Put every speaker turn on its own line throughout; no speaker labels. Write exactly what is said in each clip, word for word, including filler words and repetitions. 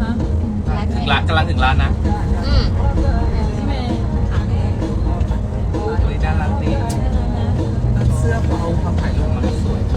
ถึงร้านกำลังถึงร้านนะ
อืม
น่ารักดีเสื้อเบาความถ่ายรูปมันสวย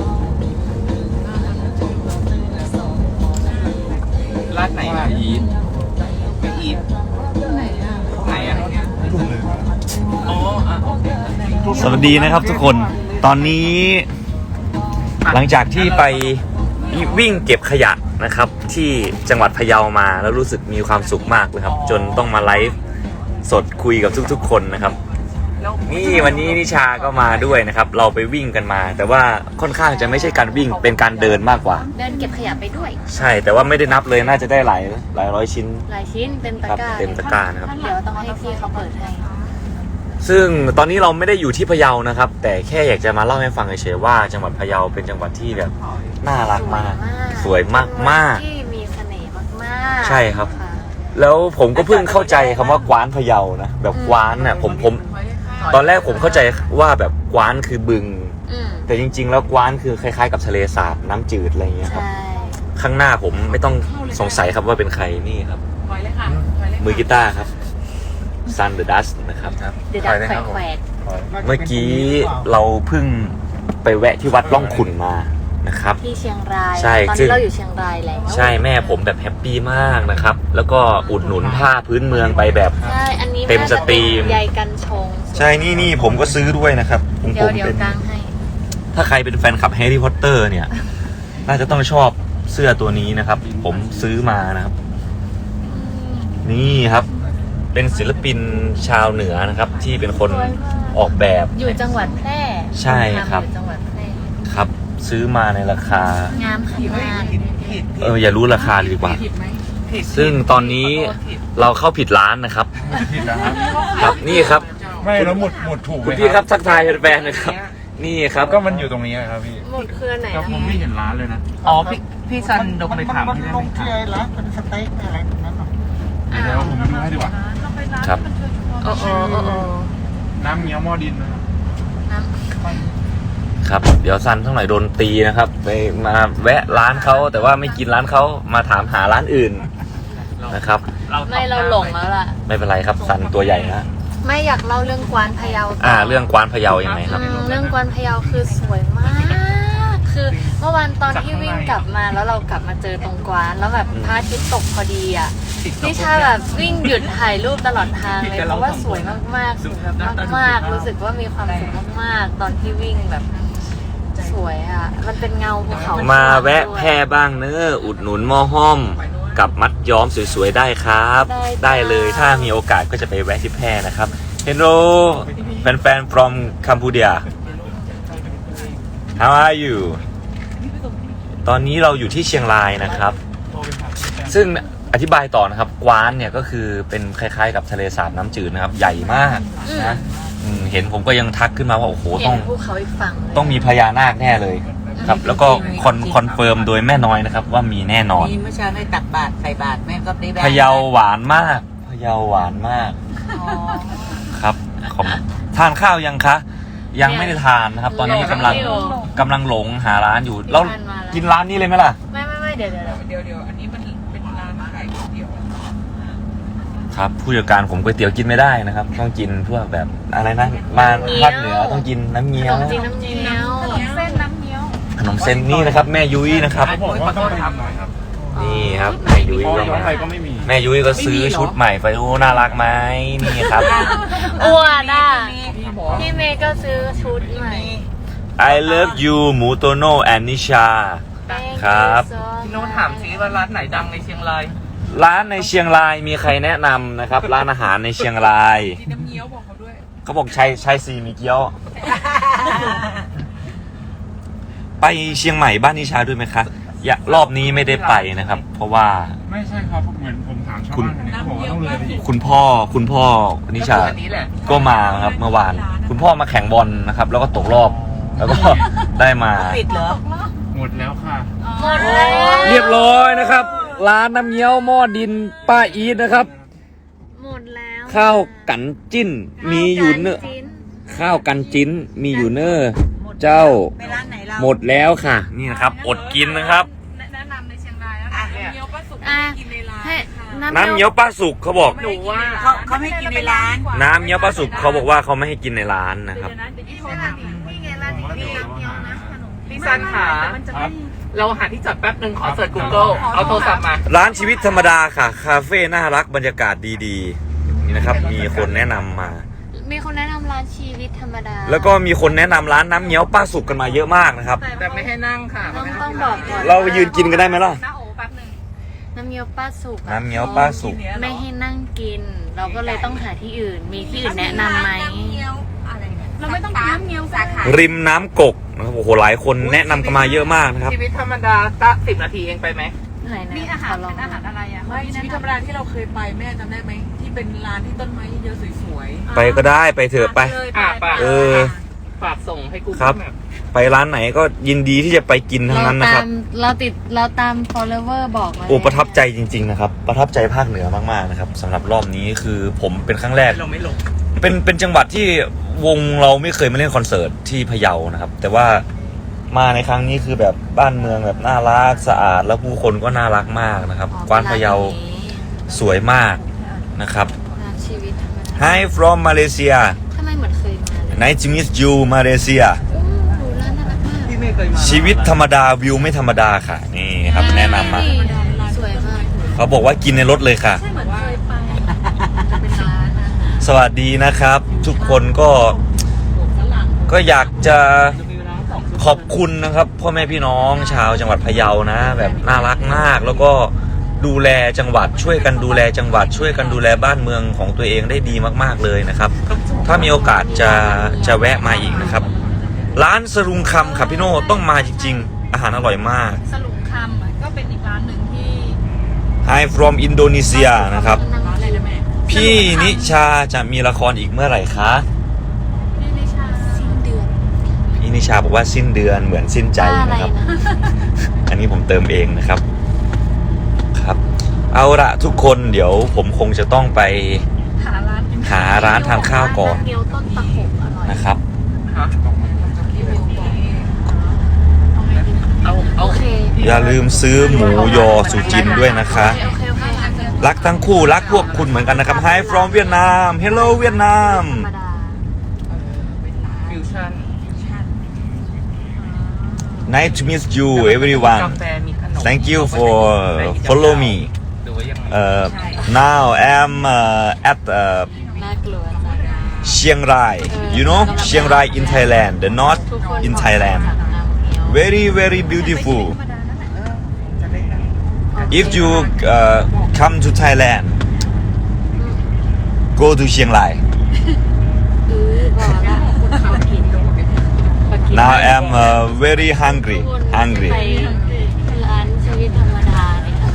ร้านไหนอ่ะอีทไม่อีทไหนอ่ะไหนอ่ะถูกเลยอ๋ออ่ะโอเค
สวัสดีนะครับทุกคนตอนนี้หลังจากที่ไปวิ่งเก็บขยะนะครับที่จังหวัดพะเยามาแล้วรู้สึกมีความสุขมากเลยครับจนต้องมาไลฟ์สดคุยกับทุกๆคนนะครับนี่วันนี้นิชาก็มาด้วยนะครับเราไปวิ่งกันมาแต่ว่าค่อนข้างจะไม่ใช่การวิ่งเป็นการเดินมากกว่า
เดินเก็บขยะไปด้วย
ใช่แต่ว่าไม่ได้นับเลยน่าจะได้หลายหลายร้อยชิ้น
หลายชิ้นเต็มตะกร้า
เต็มตะกร้านะครับ
เดี๋ยวต้องให้พี่เขาเปิดให้
ซึ่งตอนนี้เราไม่ได้อยู่ที่พะเยานะครับแต่แค่อยากจะมาเล่าให้ฟังเฉยๆว่าจังหวัดพะเยาเป็นจังหวัดที่แบบน่ารักมากสวยมากมาก
ที่มีเสน่ห์มาก
ๆใช่ครับแล้วผมก็เพิ่งเข้าใจคำว่ากว้านพะเยานะแบบกว้านน่ะผมผมตอนแรกผมเข้าใจว่าแบบกว้านคือบึงแต่จริงๆแล้วกว้านคือคล้ายๆกับทะเลสาบน้ำจืดอะไรอย่างเงี้ยครับข้างหน้าผมไม่ต้องสงสัยครับว่าเป็นใครนี่ครับมือกีตาร์ครับSun the Dust นะครับ
เดือดแขวก
เมื่อกี้เราเพิ่งไปแวะที่วัดร่องขุ่นมานะครับ
ที่เชียงราย
ใช่
ตอนนี้เราอยู่เชียงรายแล้ว
ใช่แม่ผมแบบแฮปปี้มากนะครับแล้วก็อุดหนุนผ้าพื้นเมืองไปแบบเต็มสตรีม
ใยกันชง
ใช่นี่นี่ผมก็ซื้อด้วยนะครับผมผม
เป็น
ถ้าใครเป็นแฟนคลับแฮร์รี่พอตเตอร์เนี่ยน่าจะต้องชอบเสื้อตัวนี้นะครับผมซื้อมานะครับนี่ครับเป็นศิลปินชาวเหนือนะครับที่เป็นคนออกแบบ
อยู่จังหวัดแพร่
ใช่ครับ
จังหวัดแพร่
ครับซื้อมาในราคาง
ามขนาด
เอออย่ารู้ราคาเลยดีกว่าซึ่งตอนนี้เราเข้าผิดร้านนะครับครับนี่ครับ
ไม่แล้วหมุดหมุดถูก
คุณพี่ครับทักทายแฟนๆนะครับนี่ครับ
ก็มันอยู่ตรงนี้ครับพี่
หมุดคือไหน
ก็ผมไม่เห็นร้านเลยนะอ๋อพี่พี่ซันดงไปถามที่ได้ไหมครับร้านเป็นสเต็กอะไรแบบนั้นเดี๋ยวผมดูให้ดีกว่า
ครับ
โอ้โอ้โอ้โอ้
น้ำเงี้ยวหม้อดินนะครับ
ครับเดี๋ยวซันทั้งหลายโดนตีนะครับไปมาแวะร้านเขาแต่ว่าไม่กินร้านเขามาถามหาร้านอื่นนะครับ
ไม่เราหลงแล้วล่ะ
ไม่เป็นไรครับซันตัวใหญ่นะ
ไม่อยากเล่าเรื่องกวานพะเยา
อ่าเรื่องกวานพะเยายังไงครับ
เรื่องกวานพะเยาคือสวยมากคือเมื่อวานตอนที่วิ่งกลับมาแล้วเรากลับมาเจอตรงกวานแล้วแบบพระอาทิตย์ตกพอดีอ่ะนิชาแบบวิ่งหยุดถ่ายรูปตลอดทางเลยเพราะว่าสวยมากๆสวยแบบมากๆรู้สึกว่ามีความสุขมากๆตอนที่วิ่งแบบสวยอ่ะมันเป็นเงาภูเขา
มาแวะแพร่บ้างเนอะอุดหนุนหม้อห้อมกับมัดย้อมสวยๆได้ครับได้เลยถ้ามีโอกาสก็จะไปแวะที่แพร่นะครับ Hello แฟนๆ from Cambodia How are you ตอนนี้เราอยู่ที่เชียงรายนะครับซึ่งอธิบายต่อนะครับกวานเนี่ยก็คือเป็นคล้ายๆกับทะเลสาบน้ำจืดนะครับใหญ่มากนะเห็นผมก็ยังทักขึ้นมาว่าโอ้โหต้องต้องมีพญานาคแน่เลยครับแล้วก็คอนคอนเฟิร์มโดยแม่น้อยนะครับว่ามีแน่นอน
มีเมื่อเช้าได้ตักบาตรใส่บาตรแม่ก็ได้
พะเยาหวานมากพะเยาหวานมากครับผมทานข้าวยังคะยังไม่ได้ทานนะครับตอนนี้กำลังกำลังหลงหาร้านอยู่แล้วกินร้านนี้เลยไหมล่ะ
ไม่ไม่ไม่เดี๋ยวเดี๋ยว
เดี๋ยวเดี๋ยวอันนี้มันเป็นร้านขายก๋วยเตี๋ยว
ครับผู้จัดการผมก๋วยเตี๋ยวกินไม่ได้นะครับต้องกินพวกแบบอะไรนะมาภาคเหนือต้องกินน้ำเงี้ยว
ขนมจีนน้ำเงี้ยวขนมเส้นน้ำเงี้ยว
ขนมเส้นนี่นะครับแม่ยุ้ยนะครับ
ผมว่าต้องไปทำหน่อยครับ
นี่ครับแม่ยุ้ยก็มาแม่ยุ้ยก็ซื้อชุดใหม่ไปโอ้น่ารักไหมนี่ครับ
อ้วนอ่ะพี่เมย์ก็ซื้อชุดใหม่
I love you หมูโตโน่แอนนิชาครับ
พี่โน้ตถามซิว่าร้านไหนดังในเชียงราย
ร้านในเชียงรายมีใครแนะนำนะครับร้านอาหารในเชียงราย
น้ำเงี้ยวบอกเขาด้วย
เขาบอกชัยชัยซีมีเกี๊ยวไปเชียงใหม่บ้านนิชาด้วยไหมคะอย่ารอบนี้ไม่ได้ไปนะครับเพราะว่า
ไม่ใช่ครับเหมือนผมถามชาวบ้านเขาบอกว่าต้องเลย
คุณพ่อคุณพ่อนิชาก็มาครับเมื่อวานคุณพ่อมาแข่งบอลนะครับแล้วก็ตกรอบแล้วก็ได้มา
ปิดเหรอ
หมดแล้วค่ะ
หมดแล้ว
เรียบร้อยนะครับร้านน้ำเงี้ยวหม้อดินป้าอีทนะครับ
หมดแล้ว
ข้าวกันจิ้นมีอยู่เนอะข้าวกันจิ้นมีอยู่เนอะเจ้าหมดแล้วค่ะนี่นะครับอดกินนะครับ
แนะนำในเชียงรายแล้วเงี้ยวป้าสุกกินใน
น้ำเงี้ยวป้าสุกเขาบอก
หนูว่า
เขาเขาไม่กินในร้าน
น้ำเงี้ยวป้าสุกเขาบอกว่าเขาไม่ให้กินในร้านนะครับ
พี่ซันขาเราหาที่จอดแป๊บหนึ่งขอเสิร์ช Google เอาโทรศัพท์มา
ร้านชีวิตธรรมดาค่ะ คาเฟ่น่ารักบรรยากาศดีๆนี่นะครับ มีคนแนะนำมา
มีคนแนะนำร้านชีวิตธรรมดา
แล้วก็มีคนแนะนำร้านน้ำเงี้ยวป้าสุกกันมาเยอะมากนะครับ
แต่ไม่ให้นั่งค่ะ
ต้องต้องบอกก่อน
เราไปยืนกินกันได้ไหมล่ะ
น้าโอแป๊บหนึ่ง
น้ำเงี้ยวป้าสุกอะ
น้ำเงี้ยวป้าสุก
ไม่ให้นั่งกิน เราก็เลยต้องหาที่อื่น มีที่อื่นแนะนำไหม
เราไม่ต้องกินน้ำเงี้ยวสาขา
ริมน้ำกกนะครับโอ้โหหลายคนแนะนำกันมาเยอะมากนะครับ
ชีวิตธรรมดาก็สิบนาทีเองไปไหม
ไหนนะ
มีอาหาร
ขลง
เป็นอาหารอะไรอ่ะ
ไม่ชีวิตธรรมดาที่เราเคยไปแม่จำได้ไหมที่เป็นร้านที่ต้นไม้เยอะๆสวย
ไปก็ได้ไปเถอะไป
อ่ะไป
เออ
ฝากส่งให้กู
ครับ ไปร้านไหนก็ยินดีที่จะไปกินทั้ง
เรา
นั้นนะค
ตา
รับ
มเราติดเราตาม follower บอกมา
โอ้ประทับใจจริงๆนะครับ ประทับใจภาคเหนือมากๆนะครับสำหรับรอบนี้คือผมเป็นครั้งแรก
เราไม่ลง
เป็นเป็นจังหวัดที่วงเราไม่เคยมาเล่นคอนเสิร์ตที่พะเยานะครับ แต่ว่ามาในครั้งนี้คือแบบบ้านเมืองแบบน่ารักสะอาดแล้วผู้คนก็น่ารักมากนะครับ
อ๋อก
วานพะเยาสวยมากนะครับ
ร้านชีวิตธรรมดา
Hi from Malaysia
ทำไมเหมือนเคยมาเลย
Nice to meet you Malaysia
อู้หูร้านน่ารักมาก
พี่ไม่เคยมา
ชีวิตธรรมดาวิวไม่ธรรมดาค่ะนี่ครับแนะนำมา
สวยมาก
เขาบอกว่ากินในรถเลยค่ะ
เหมือนเคยไปจะเป็นร้านอาหาร
สวัสดีนะครับ ทุกคนก็ก็อยากจะขอบคุณนะครับพ่อแม่พี่น้องชาวจังหวัดพะเยานะ แบบน่ารักมาก แล้วก็ดูแลจังหวัดช่วยกันดูแลจังหวัด ช่วยกันดูแลบ้านเมืองของตัวเองได้ดีมากๆเลยนะครับ ถ้ามีโอกาสจะจะแวะมาอีกนะครับ ร้านสรุงคำครับพี่โน่ต้องมาจริงๆ อาหารอร่อยมาก
สรุปคำอะก็เป็นอีกร้านหนึ่งที่
Hi from Indonesia นะครับ
ๆอะไรนะแม่
พี่นิชาจะมีละครอีกเมื่อไหร่คะ
นี่นิชาสิ้นเดือน
พี่นิชาบอกว่าสิ้นเดือนเหมือนสิ้นใจ
ว่าอะไร
นะครับ
นะ
อันนี้ผมเติมเองนะครับครับ เอาละทุกคนเดี๋ยวผมคงจะต้องไป
หาร้านกิน
หาร้านทานข้าวก่อน
เกี๊ยวต้นตะขบอร่อย
นะครับ
ฮะเอาเอา
โอเค
อย่าลืมซื้อหมูยอสุจินด้วยนะคะ
โอเคโอเคโอเค
รักทั้งคู่รักพวกคุณเหมือนกันนะครับ Hi from Vietnam Hello เวียดนาม
ธรรมดา
ฟิวชั่น
Nice to meet you everyone
กาแฟมีขนม
Thank you for follow me
หรือว่ายังไง
uh, now I'm uh, at uh,
น่ากลัวจัง
Chiang Rai you know Chiang Rai in Thailand the north
ทุกคน
in Thailand
บอกว่าน้ำเงี้ยว
very very beautiful if you uh, come to Thailand go to Chiang Rai
เออบอกแล้วคุณเขากินมากิน
now I'm uh, very hungry
ทุกคน
hungry
ไปร้านชีวิตธรรมดาเลยค่ะ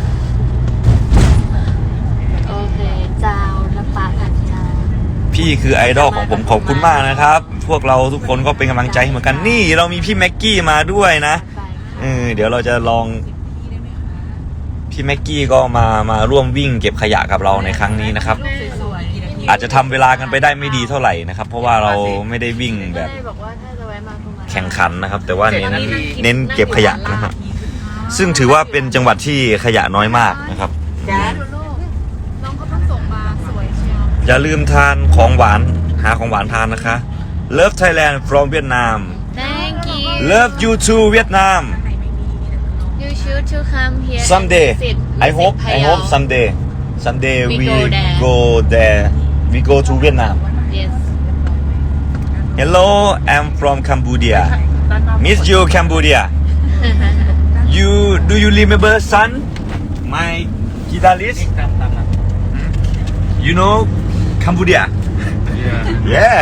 โอเคเจ้าน้ำปลาผัดเจ้า
พี่คือไอดอลของผมขอบคุณมากนะครับ พวกเราทุกคนก็เป็นกำลังใจให้เหมือนกันนี่เรามีพี่แม็กกี้มาด้วยนะเออเดี๋ยวเราจะลองพี่แม็กกี้ก็มามาร่วมวิ่งเก็บขยะกับเราในครั้งนี้นะครับ
สวย
อาจจะทำเวลากันไปได้ไม่ดีเท่าไหร่นะครับ เพราะว่าเราไม่ได้วิ่งแบบ
ก็เลยบอกว่าถ้าจะแวะมาก็มา
แข่งขันนะครับ แต่ว่าเน้น
เจ็ดนาที
เน้นเก็บขยะนะฮะซึ่งถือว่าเป็นจังหวัดที่ขยะน้อยมากนะครับ
จ้า
ดูลูกน้องเขาเพิ่งส่งมาสวยเชียว
อย่าลืมทานของหวานหาของหวานทานนะคะ Love Thailand from Vietnam
Thank you
Love you too Vietnam
You should to come here
someday
and visit
I hope I
Payao.
hope someday someday
We
we
go there.
go there we go to Vietnam
Yes
Hello I'm from Cambodia Miss you Cambodia You do you remember son my guitarist
ตามตามนะ
You know Cambodia Yeah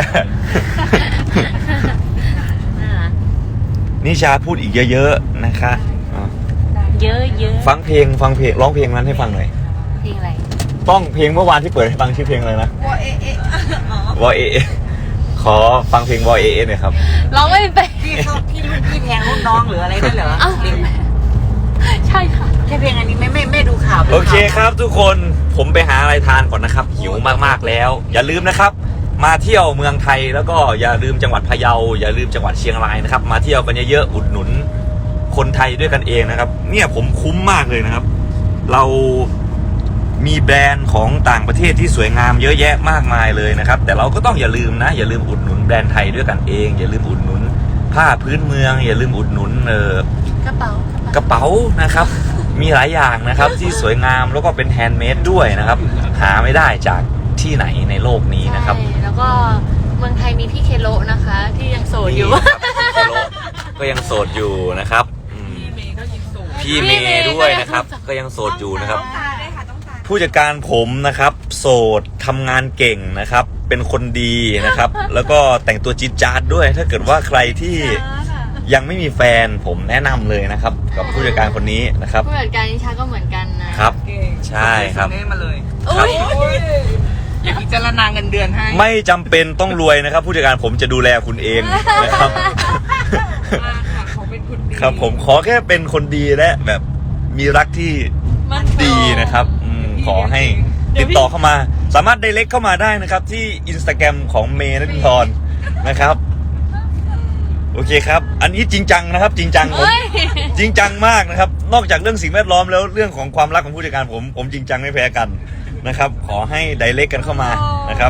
น่ารัก
นิชาพูดอีกเยอะๆนะคะอ่ะ
เยอะเยอะ
ฟังเพลงฟังเพลงร้องเพลงนั้นให้ฟังหน่อย
เพลงอะไร
ต้องเพลงเมื่อวานที่เปิดให้ฟังชื่อเพลงอะไรนะ
ว่าเอ๊ะเอ๊ะ
วอเอเอขอฟังเพลงวอเอเอหน่อยครับ
ร้องไม่เป็น
พี่เขาพี่รุ่นพี่แทงรุ่นน้องหรืออะไรนั่นเหรอ
เอ้า
เพลง
ใช่ค่ะ
แค่เพลงอันนี้ไม่ไม่ไม่ดูข่าว
โอเคครับทุกคนผมไปหาอะไรทานก่อนนะครับ หิวมากๆแล้ว อย่าลืมนะครับ มาเที่ยวเมืองไทยแล้วก็อย่าลืมจังหวัดพะเยาอย่าลืมจังหวัดเชียงรายนะครับ มาเที่ยวกันเยอะๆอุดหนุนคนไทยด้วยกันเองนะครับ เนี่ยผมคุ้มมากเลยนะครับ เรามีแบรนด์ของต่างประเทศที่สวยงามเยอะแยะมากมายเลยนะครับแต่เราก็ต้องอย่าลืมนะอย่าลืมอุดหนุนแบรนด์ไทยด้วยกันเองอย่าลืมอุดหนุนผ้าพื้นเมืองอย่าลืมอุดหนุนเออก
ระเป๋าก
ระเป๋านะครับ มีหลายอย่างนะครับที่สวยงามแล้วก็เป็นแฮนด์เมดด้วยนะครับหาไม่ได้จากที่ไหนในโลกนี้นะครับ
ใช่แล้วก็เมืองไทยมีพี่เคโลนะคะ ที่ยังโสดอยู่
นี่นะครับพี่เคโลก็ยังโสดอยู่นะครับอืม
พี่เมย์ก็ยิงสูง
พี่เมย์ด้วยนะครับก็ยังโสดอยู่นะครับ ผู้จัดการผมนะครับโสดทำงานเก่งนะครับ เป็นคนดีนะครับ แล้วก็แต่งตัวจี๊ดจ๊าดด้วย ถ้าเกิดว่าใครที่ยังไม่มีแฟนผมแนะนำเลยนะครับ กับผู้จัดการคนนี้นะครับ
ผู้จัดการนิชาก็เหมือนกันนะครับ
เก่ง
ใช่ครับ
ส่งเน่มาเลย
ครับ
อย่าพิจารณาเงินเดือนให้
ไม่จำเป็นต้องรวยนะครับ ผู้จัดการผมจะดูแลคุณเองนะครับ
มากค่ะเขาเป็นคนดี
ครับผมขอแค่เป็นคนดีและแบบมีรักที่ดีนะครับอืมขอให้ติดต่อเข้ามา สามารถไดเรกเข้ามาได้นะครับที่อินสตาแกรมของเมย์นฤพรนะครับโอเคครับ อันนี้จริงจังนะครับ จริงจังผม
เฮ้ย
จริงจังมากนะครับ นอกจากเรื่องสิ่งแวดล้อมแล้วเรื่องของความรักของผู้จัดการผมผมจริงจังไม่แพ้กันนะครับ ขอให้ไดเรกกันเข้ามานะครับ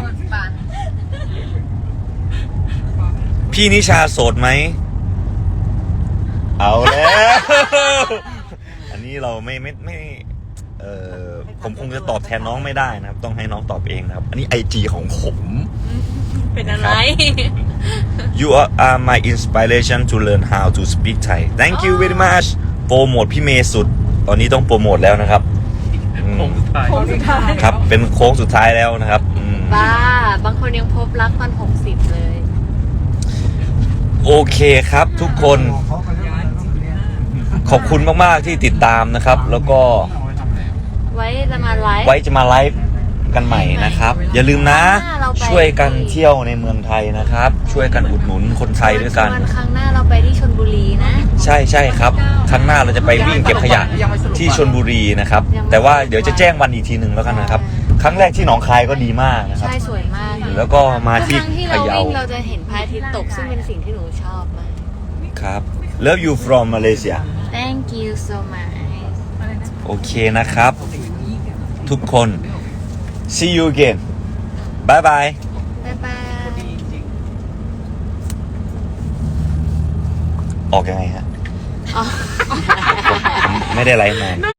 พี่นิชาโสดไหม เอาแล้ว อันนี้เราไม่ไม่ไม่เออผมคงจะตอบแทนน้องไม่ได้นะครับ ต้องให้น้องตอบเองนะครับ อันนี้ไอจีของผม
เป็นอะไร
You are, are my inspiration to learn how to speak Thai Thank you very much โปรโมทพี่เมย์สุด ตอนนี้ต้องโปรโมทแล้วนะครับอืม
ผมสุดท้าย
คนสุดท้าย
ครับ เป็นโค้งสุดท้ายแล้วนะครับอืม
บ้า บางคนยังพบรักตอนหกสิบเลย
โอเคครับทุกคน ขอบคุณมาก ๆ ที่ติดตามนะครับ แล้วก็
ไว้จะมาไลฟ์
ไว้จะมาไลฟ์กันใหม่นะครับ อย่าลืมนะ
เราไป
ช่วยกันเที่ยวในเมืองไทยนะครับ ช่วยกันอุดหนุนคนไทยด้วยกัน
วันครั้งหน้าเราไปที่ชลบุรีนะ
ใช่ใช่ครับครั้งหน้าเราจะไปวิ่งเก็บขยะที่ชลบุรีนะครับ แต่ว่าเดี๋ยวจะแจ้งวันอีกทีหนึ่งแล้วกันนะครับ ครั้งแรกที่หนองคายก็ดีมากนะครับ
ใช่สวยมาก
แล้วก็มา
ทุก
ที่
ครั้งที่
พะ
เรา
เยา
วิ่งเราจะเห็นพระอาทิตย์ตกซึ่งเป็นสิ่งที่หนูชอบมาก
ครับ Love you from Malaysia
Thank you so much
โอเคนะครับ ทุกคน see you again bye bye
บ๊ายบาย
ออกยังไงฮะ
อ๋อ
ผมไม่ได้ไลฟ์นาน